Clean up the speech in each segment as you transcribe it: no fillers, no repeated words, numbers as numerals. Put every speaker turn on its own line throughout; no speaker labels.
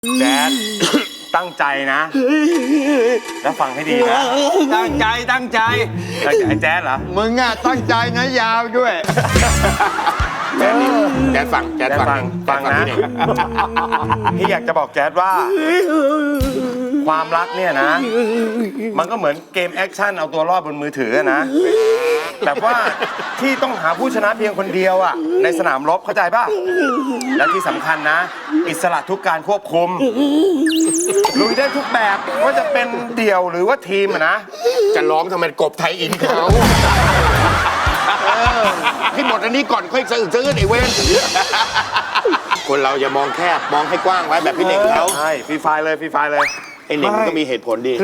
แจ๊ด ตั้งใจนะ แล้วฟังให้ดีนะ
ตั้งใจ
ไอ้แจ๊ดเหรอ
มึงอะตั้งใจนะยาวด้วย
แจ๊ดฟัง
นะ
นี่
พี่อยากจะบอกแจ๊ดว่า ความรักเนี่ยนะ มันก็เหมือนเกมแอคชั่นเอาตัวรอดบนมือถือนะแบบว่าที่ต้องหาผู้ชนะเพียงคนเดียวอ่ะในสนามรบเข้าใจป่ะและที่สำคัญนะ อิสระทุกการควบคุมลุยได้ทุกแบบว่าจะเป็นเดี่ยวหรือว่าทีมอะนะ
จะร้องทำไมกบไทยอินเขาให้หมดอันนี้ก่อนค่อยซื้อไอ้เว้นคนเราอย่ามองแคบมองให้กว้างไว้แบบพี่เน่งเขา
ใช่ฟรีไฟเลย
ไอ้เน่งมันก็มีเหตุผลดี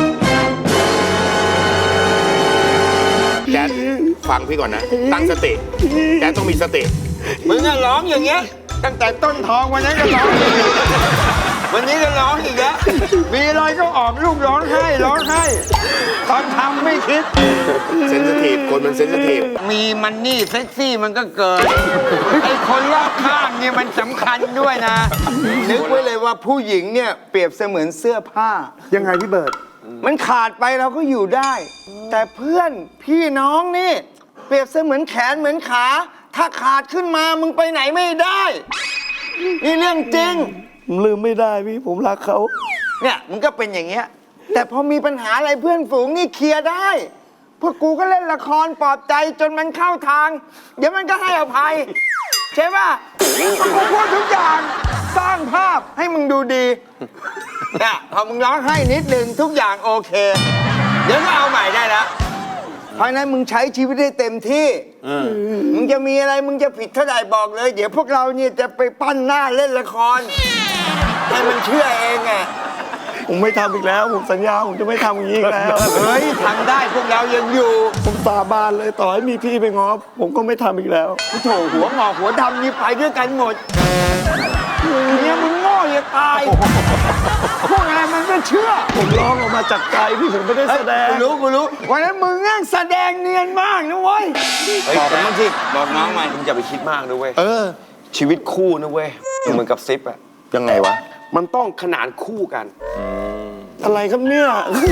แจ๊ดฟังพี่ก่อนนะ ตั้งสติแจ๊ดต้องมีสติ
มึงอะร้องอย่างเงี้ยตั้งแต่ต้นท้องวันนั้นก็ร้องอีกวันนี้ก็ร้องอีกแล้วมีอะไรก็ออกลูกร้องไห้ตอนทำไม่คิด
เซนซิทีฟคนมันเซนซิทีฟ
มีมันนี่เซ็กซี่มันก็เกิดไอ้คนรอบข้างเนี่ยมันสำคัญด้วยนะ นึกไว้เลยว่าผู้หญิงเนี่ยเปรียบเสมือนเสื้อผ้า
ยังไงพี่เบิร์ด
มันขาดไปเราก็อยู่ได้ แต่เพื่อนพี่น้องนี่เปรียบเสมือนแขนเหมือนขา ถ้าขาดขึ้นมามึงไปไหนไม่ได้นี่เรื่องจริง
ผมลืมไม่ได้พี่ผมรักเขา
เนี่ยมึงก็เป็นอย่างเงี้ยแต่พอมีปัญหาอะไรเพื่อนฝูงนี่เคลียร์ได้พวกกูก็เล่นละครปลอบใจจนมันเข้าทาง เดี๋ยวมันก็ให้อภัยใช่ป่ะกูพูดทุกอย่างสร้างภาพให้มึงดูดีเนี่ยพอมึงร้องให้นิดนึงทุกอย่างโอเคเดี๋ยวก็เอาใหม่ได้แล้วเพราะนั้นมึงใช้ชีวิตให้เต็มที่มึงจะมีอะไรมึงจะผิดเท่าไหร่บอกเลย เดี๋ยวพวกเราเนี่ยจะไปปั้นหน้าเล่นละครให้มันเชื่อเองไง
ผมไม่ทำอีกแล้วผมสัญญาผมจะไม่ทำอย่างนี้อีกแล้ว
เฮ้ยทำได้พวกเรายังอยู่
ผมสาบานเลยต่อให้มีพี่ไปง้อผมก็ไม่ทำอีกแล้ว
โถหัวงอกหัวดำนี่ไปด้วยกันหมดเนี่ยมึงโง่อย่าตายพวกอะไรมันก็เชื่อ
ผมร้องออกมาจากใจพี่ผมไม่ได้แสดง
กูรู้วันนั้นมึงนั่งแสดงเนียนมากนะเว้ยบอกมันบ้างสิบอกน้องมัน
มึงอย่าไปคิดมากนะเว้ย
ชีวิตคู่นะเว้ยเหมือนกับซิปอะ
ยังไงวะ
มันต้องขนานคู่กัน
อะไรครับเนี่ย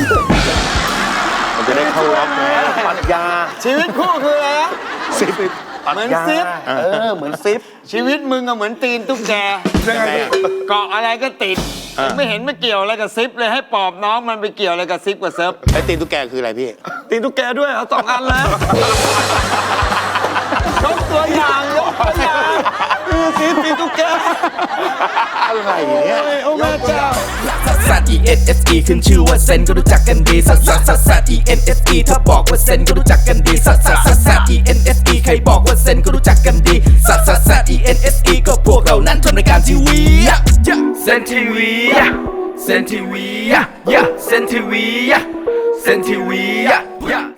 มันจะได้เข้ารอบไง
ปรัชญา
ชีวิตคู่คืออะไรนะเหมือนซิป
เหมือนซิป
ชีวิตมึงก็เหมือนตีนตุ๊กแกเกาะอะไรก็ติดไม่เห็นไม่เกี่ยวอะไรกับซิปเลยให้ปอบน้องมันไปเกี่ยวอะไรกับซิปกับเซิร์ฟ
ไอ้ตีนตุ๊กแกคืออะไรพี่
ตีนตุ๊กแกด้วยเอา2 อันแล้ว
ยกตัวอย่าง
คือสีตีนตุ๊กแก
อะไรเนี่ย
โอ้แม่เจ้า
ซัส E N S E ขึ้นชื่อว่าเซนก็รู้จักกันดีซัส E N S E ถ้าบอกว่าเซนก็รู้จักกันดีซัส E N S E ใครบอกว่าเซนก็รู้จักกันดีซัส E N S E ก็พวกเรานั้นทำรายการทีวีเซนทีวีเซนทีวีเซนทีวีเซนทีวี